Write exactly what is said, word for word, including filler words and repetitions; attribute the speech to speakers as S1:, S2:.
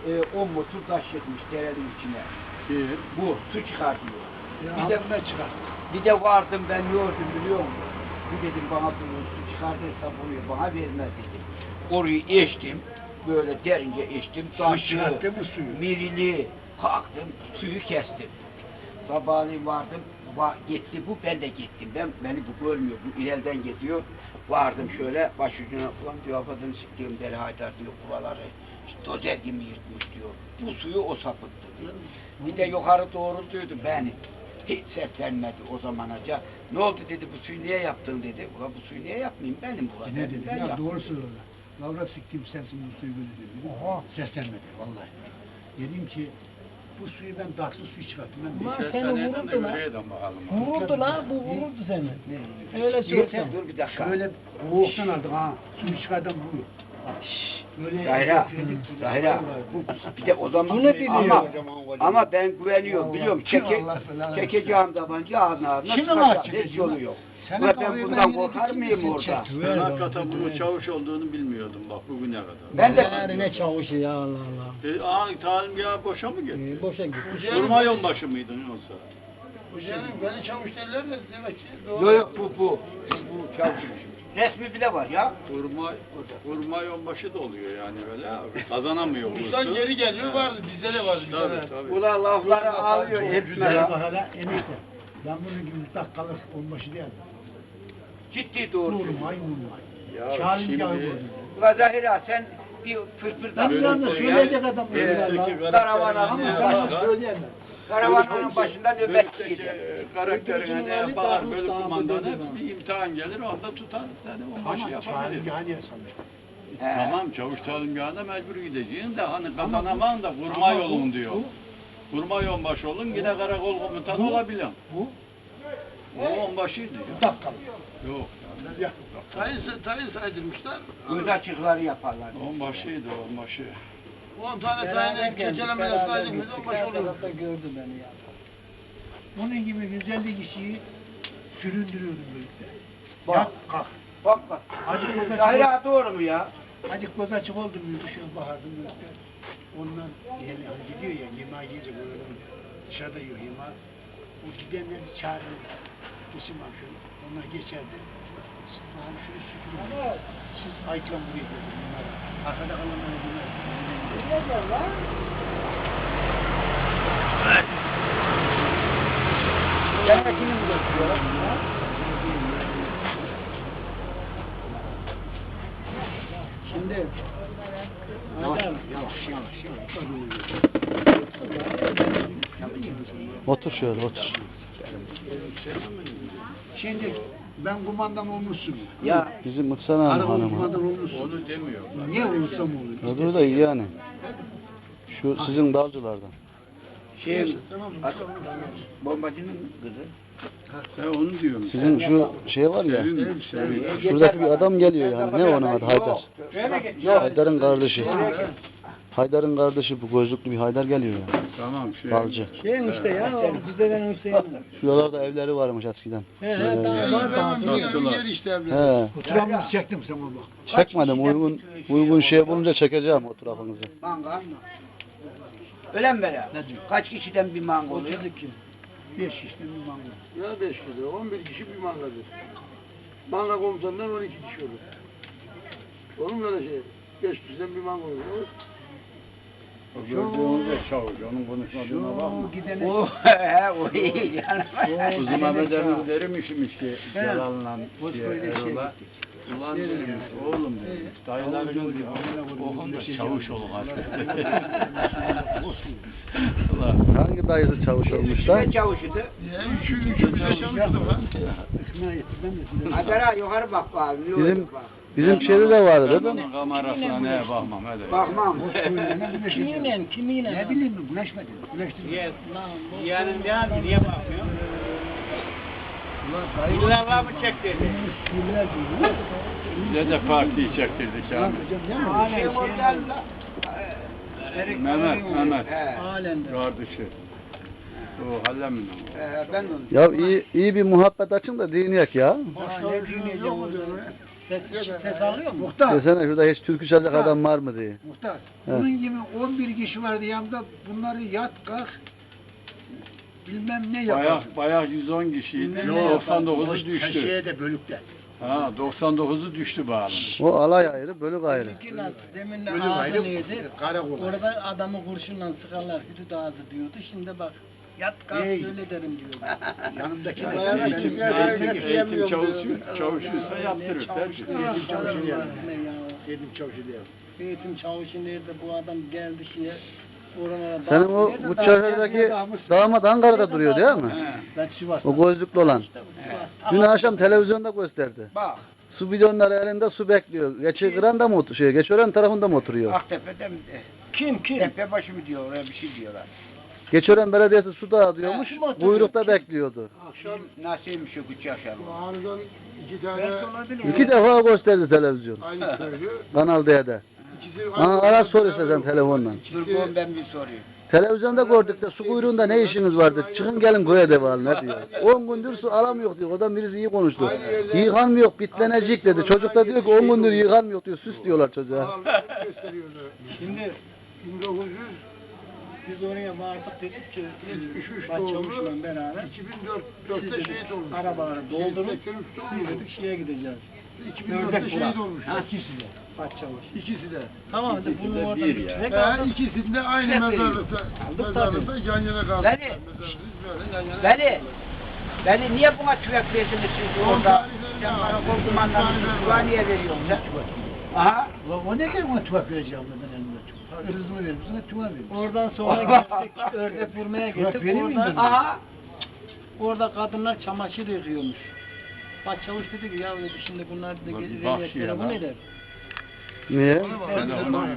S1: e, on motor taş yetmiş derenin içine.
S2: Kim?
S1: Bu su çıkartıyor.
S3: Ya,
S1: Bir de
S3: ben çıkar.
S1: bir de vardım ben yordum biliyor musun? Bu dedim bana bunu su çıkartırsa bunu bana vermez dedim. Orayı eştim. Böyle derince eştim. Taşı,
S3: çıkarttı mı suyu?
S1: mirili kalktım. Suyu kestim. Sabahleyin vardım. Va gitti bu, ben de gittim. Ben beni bu görmüyor. Bu ileriden gidiyor. Vardım şöyle başucuna ulan diyor afadını siktiğim deli Haydar diyor buraları. İşte dozer gibi yırtmış diyor. Bu suyu o sapıttı diyor. Bir de yukarı doğru duydu beni. Hiç seslenmedi o zamanaca. Ne oldu dedi bu suyu niye yaptın dedi. Ulan bu suyu niye yapmayayım benim burada.
S3: Ne dedi?
S1: Ben
S3: Ya
S1: yaptım.
S3: doğru söylüyor. Lavra siktiğim sensin bu suyu böyle dedi. Oha. Seslenmedi vallahi. Dedim ki bu suyu ben daksız suyu çıkarttım. Ben
S4: Ama
S3: de-
S4: seni vururdu lan. Vururdu lan, bu vururdu seni. Öyle
S1: Yeter
S4: söylesem.
S1: dur bir dakika.
S3: Şöyle boğuktan aldık ha. Suyu çıkardım bu. Böyle
S1: Zahira, Zahira, bu, bir de o zaman
S4: Bunu biliyor.
S1: ama, ama ben güveniyorum, biliyorum, çeke,
S3: Allah belanı
S1: çekeceğim tabanca ağzına ağzına
S3: Şimdi
S1: sıkacağım,
S3: var
S1: hiç
S3: çekeceğim.
S1: yolu yok.
S3: Senin
S1: Ulan ben
S3: kafayı
S1: bundan
S3: ben
S1: korkar
S3: yedim,
S1: mıyım
S3: kim
S1: orada?
S3: çekti?
S2: Ben hakikaten bunun çavuş olduğunu bilmiyordum bak bugüne kadar.
S1: Ben de
S4: Yani ne çavuşu ya Allah Allah.
S2: E, aha talimgahı boşa mı gitti?
S4: Ee, boşa gitti.
S2: Vurma yolbaşı mıydın yoksa?
S5: Hocam beni çavuş derler de demek ki
S1: yok
S5: doğru.
S1: yok bu bu, bu çavuşmuş. Resmi bile var ya.
S2: Vurma, vurma yolbaşı da oluyor yani böyle abi. Kazanamıyor
S5: Uçtan
S2: vursun.
S5: geri geliyor vardı bizde de vardı bir tane.
S2: Tabii tabii.
S1: Ulan lafları alıyor hepsine
S3: Güzel bak
S1: ya.
S3: hala emekle. Ben bunun gibi dakikalık olması değil.
S1: Ciddi doğru.
S3: Vurmay vurmay.
S2: Ya
S3: Şahin
S2: şimdi-
S3: yağı vurdu.
S1: Ulan Zahira sen bir fırfırdan
S3: Ben yalnız söyleyecek adam
S2: Ee,
S3: böyle
S2: peki,
S3: ya.
S1: Karavanın
S3: Ama
S2: ne
S3: ben
S2: yapar?
S3: söyleyemem.
S1: karavanın başında nöbet
S2: Bölükteki
S1: gider.
S2: karakterine ne
S4: Ali
S2: yapar
S4: Dağlı
S2: bölük
S4: Dağlı
S2: kumandanı
S4: dedi
S2: bir imtihan gelir onda tutar yani o başı
S3: Ama
S2: yapabilir.
S3: Şahin yağı niye sanmış?
S1: He.
S2: Tamam çavuş talimgahına mecbur gideceğin de hani kazanamam da vurma
S3: Ama bu-
S2: yolun diyor. Vurma yolbaşı olun yine karakol komutanı olabilirim.
S3: Bu
S2: O onbaşıydı ya.
S3: dakikalık.
S2: Yok.
S3: Ya.
S5: Tayin, tayin saydırmışlar.
S1: Göz açıkları yaparlar.
S2: Onbaşıydı onbaşı.
S5: on tane
S4: Beraber
S5: tayin
S4: geldik,
S5: keçelemeler
S4: beraber
S5: saydık
S4: gittik.
S5: biz on baş
S4: Her
S5: olur.
S4: tarafta gördü beni ya.
S3: Bunun gibi yüz elli kişiyi süründürüyordum birlikte.
S1: Bak.
S3: Yat kalk.
S1: Bak bak.
S3: Acık göz açık,
S1: Zahira doğru mu ya?
S3: acık göz açık oldu mu dışarı bahardım birlikte. Ondan yani hani gidiyor ya yemeğe yiyince böyle dışarıda yiyor yemeği. O gidenleri çağırıyor. Geçin bak şöyle. Onlar geçerdi. Siz bakalım şunu süpürün. Siz ayıklan buraya gelin bunlara. Arkada kalanları bunlar.
S1: Cennetini mi götürüyorlar?
S3: Şimdi
S1: Yavaş yavaş yavaş yavaş.
S6: Otur şöyle otur.
S3: Şimdi ben kumandan olmuşsun.
S1: Ya
S6: Bizim Mıksana Hanım
S3: Karakol
S6: hanımı.
S3: kumandan olmuşsun.
S2: Onu demiyor.
S3: Niye olursam olur.
S6: Öbürü de iyi yani. Şu sizin dalcılardan.
S1: şey bombacının kızı.
S2: He onu diyorum.
S6: Sizin şu şey var ya.
S2: Sevim, sevim.
S6: Şuradaki bir adam geliyor yani. Ne onun adı? Haydar.
S1: Yok.
S6: Haydar'ın kardeşi. Haydar'ın kardeşi bu gözlüklü bir Haydar geliyor yani.
S2: Tamam şey.
S6: Balcı.
S4: Şeyin işte ya, o Hüseyin'in Hüseyin'in.
S6: Şuralarda evleri varmış eskiden.
S4: He he, tamam var tamam.
S5: Dünyanın yeri işte evler.
S6: He.
S3: Oturamını çektim sana bak.
S6: Çekmedim. Uygun uygun şey bulunca çekeceğim o tarafınızı.
S1: Manga. Öyle mi böyle? Kaç kişiden bir manga oluyor?
S3: Beş işte bir mango.
S5: Ya beş kişi, on bir kişi bir mangadır. Manga komutanından on iki kişi olur. Olur mu öyle şey? Beş kişiden bir manga olur.
S2: O gördüğünüzde çavuş. Onun konuşmadığına bakma.
S3: Şu gidene
S1: O he o iyi yani.
S2: Kızım Mehmet Emin derimmişmiş ki Celal'la
S3: Boş
S2: diye
S3: böyle şey
S2: Erol'a. Ulan dedim oğlum dedim. Dayıların gibi okun da çavuş olun artık. Ulan.
S6: Hangi dayısı çavuş olmuşlar?
S1: Ne çavuşuydu?
S5: Ya üçü, üçü bize çalıştı bak.
S3: ıkmaya getirmem de.
S1: Adara yukarı bak bak. Ne
S6: Bizim
S1: oluyor bak.
S6: bizim şeyde de vardı değil
S2: Ben
S6: mi?
S2: onun kamerasına neye bakmam hadi.
S1: Bakmam.
S4: Kimiyle, kimiyle?
S3: Ne bileyim mi? Güneşmedi. Güneşti.
S4: Lan bu.
S1: Yani ne abi niye bakmıyor? Bunlar var mı çekti?
S3: Sürüler değil.
S2: Bize de partiyi çektirdik
S3: Ne
S2: abi.
S3: yapacağım değil mi?
S1: Hala şey oradan da.
S2: Mehmet, Mehmet.
S1: He.
S4: Halen de.
S2: Kardeşi. O hallemin o.
S1: He, ben de onu.
S6: Ya iyi iyi bir muhabbet açın da dinleyek ya.
S3: Başka ne dinleyeceğim o zaman?
S4: Ses, ses alıyor mu?
S3: Muhtar.
S6: Desene şurada hiç türkü çalacak
S3: Muhtar.
S6: adam var mı diye.
S3: Muhtar.
S6: Evet.
S3: Bunun gibi on bir kişi vardı yanımda. Bunları yat kalk bilmem ne yapar.
S2: Bayağı, bayağı yüz on kişiydi.
S3: Bilmem ne
S2: doksan dokuzu
S3: yapar.
S2: düştü.
S3: Şeye de bölükte.
S2: Ha, doksan dokuzu düştü bağlı.
S6: O alay ayrı, bölük ayrı.
S4: Bizimki nasıl? Demin
S3: Bölük
S4: ağzı
S3: ayrı,
S4: neydi?
S3: karakol.
S4: Orada adamı kurşunla sıkarlar, hüdüd ağzı diyordu. Şimdi bak, yat kalk
S3: Hey.
S4: öyle derim diyor.
S3: Yanımdaki
S5: Bayağı
S3: benim-
S5: eğitim-
S3: benim-
S5: eğitim-
S2: Eğitim çavuş, çavuşuysa yaptırır.
S3: Eğitim çavuşu diye. Eğitim çavuşu diye.
S4: Eğitim çavuşu nerede bu adam geldi şeye. Oralara
S6: Senin o bu çarşıdaki damat Ankara'da duruyor değil mi?
S3: Ben Sivas'ta.
S6: O gözlüklü olan. Dün akşam televizyonda gösterdi.
S1: Bak
S6: Su bidonları elinde su bekliyor. Geçi kıran da mı oturuyor? Şey, Geçören tarafında mı oturuyor?
S1: Aktepe'de mi?
S4: Kim kim?
S1: Tepebaşı mı diyor oraya bir şey diyorlar.
S6: Geçören belediyesi su dağıtıyormuş.
S4: Ha, kim oturuyor?
S6: Buyrukta bekliyordu.
S5: Akşam
S1: Nasılmış o küçük akşam?
S5: aniden iki tane
S4: Belki olabilir.
S6: İki defa gösterdi televizyon.
S5: aynı köylü.
S6: Kanal D'de.
S5: İkisi
S6: Bana ara sor istersen telefonla.
S1: Dur oğlum ben bir sorayım.
S6: Televizyonda gördük de su kuyruğunda ne işiniz vardı? Çıkın gelin köye devam ne diyor. on gündür su alamıyor diyor. O da birisi iyi konuştu. Yıkanmıyor, bitlenecek dedi. Çocuk da diyor ki on gündür yıkanmıyor diyor. Süs diyorlar çocuğa.
S5: Ağırlık gösteriyordu.
S4: Şimdi
S5: bin dokuz yüz
S4: biz oraya vardık dedik ki
S5: yetmiş üç
S4: Başçavuşla
S5: doğumlu.
S4: beraber
S5: iki bin dörtte şehit olmuş.
S4: arabaları doldurup
S5: seksen üç
S4: biz
S5: doğumlu.
S4: dedik şeye gideceğiz.
S5: iki bin dörtte şehit olmuş.
S3: İkisi de.
S4: Başçavuş.
S5: İkisi de.
S4: Tamam hadi bunu
S2: de
S4: orada
S2: bir
S4: bir
S2: ya.
S4: kürek
S5: He,
S4: aldık.
S5: ikisinde aynı
S4: Hep
S5: mezarlıkta.
S4: Aldık
S5: Mezarlıkta yan yana kaldık.
S1: Beni-
S5: Mezarlık böyle yan yana.
S1: Beni, beni niye buna tüfek verdiniz siz orada? Sen bana kol kumandanını tüfeği niye veriyorsun sen? Aha.
S3: Ulan o ne demek ona tüvak vereceğim ben elimde tüvak. Hırzımı verir, sana tüvak verir.
S4: Oradan sonra gittik ördek vurmaya
S3: Bırak
S4: gittik.
S3: vereyim mi
S4: Orada,
S3: dedim.
S1: Aha.
S4: orada kadınlar çamaşır yıkıyormuş. Başçavuş dedi ki ya dedi, şimdi bunlar dedi
S2: Ulan bir
S4: geri
S2: bak
S4: veliyet
S2: şeye
S4: telefon
S2: lan.
S4: eder.
S6: Niye?
S2: Ben de onu